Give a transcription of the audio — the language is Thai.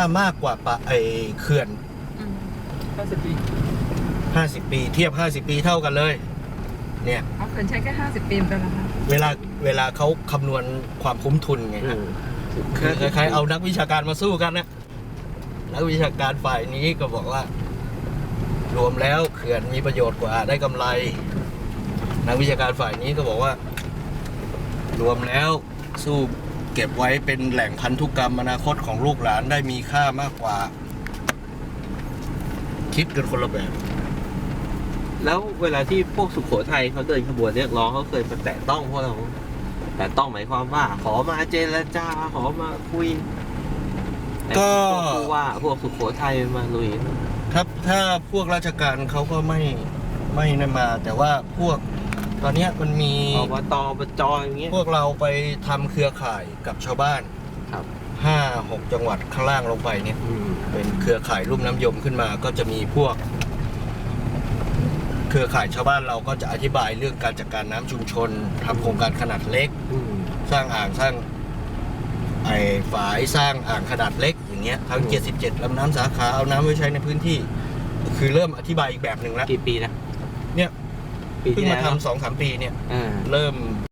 ามากกว่าเขื่อน 50 ปี 50 ปีเทียบ50 ปีเท่ากันเลยเนี่ยเขื่อนใช้แค่50 ปีเหมือนกันนะคะเวลาเขาคำนวณความคุ้มทุนไงครับคือใครเอานักวิชาการมาสู้กันนะนักวิชาการฝ่ายนี้ก็บอกว่ารวมแล้วเขื่อนมีประโยชน์กว่าได้กำไรนักวิชาการฝ่ายนี้ก็บอกว่ารวมแล้วสู้เก็บไว้เป็นแหล่งพันธุกรรมอนาคตของลูกหลานได้มีค่ามากกว่าคิดกันคนละแบบแล้วเวลาที่พวกสุโขทัยเขาเดินขบวนเรียกร้องเขาเคยมาแตะต้องพวกเราแต่ต้องหมายความว่าขอมาเจรจาขอมาคุยก็ว่าพวกสุโขทัยมาลุยครับถ้าพวกราชการเขาก็ไม่ได้มาแต่ว่าพวกตอนนี้มันมีอบต.อบจ.อย่างเงี้ยพวกเราไปทำเครือข่ายกับชาวบ้านครับ 5-6 จังหวัดข้างล่างลงไปเนี่ยเป็นเครือข่ายลุ่มน้ำยมขึ้นมาก็จะมีพวกเครือข่ายชาวบ้านเราก็จะอธิบายเรื่องการจัดการน้ำชุมชนทำโครงการขนาดเล็กสร้างอ่างสร้างฝายสร้างอ่างขนาดเล็กอย่างเงี้ยทั้ง77ลำน้ำสาขาเอาน้ำไว้ใช้ในพื้นที่คือเริ่มอธิบายอีกแบบหนึ่งแล้วกี่ปีนะเนี่ยเพิ่งมาทำ2-3 ปีเนี่ยเริ่ม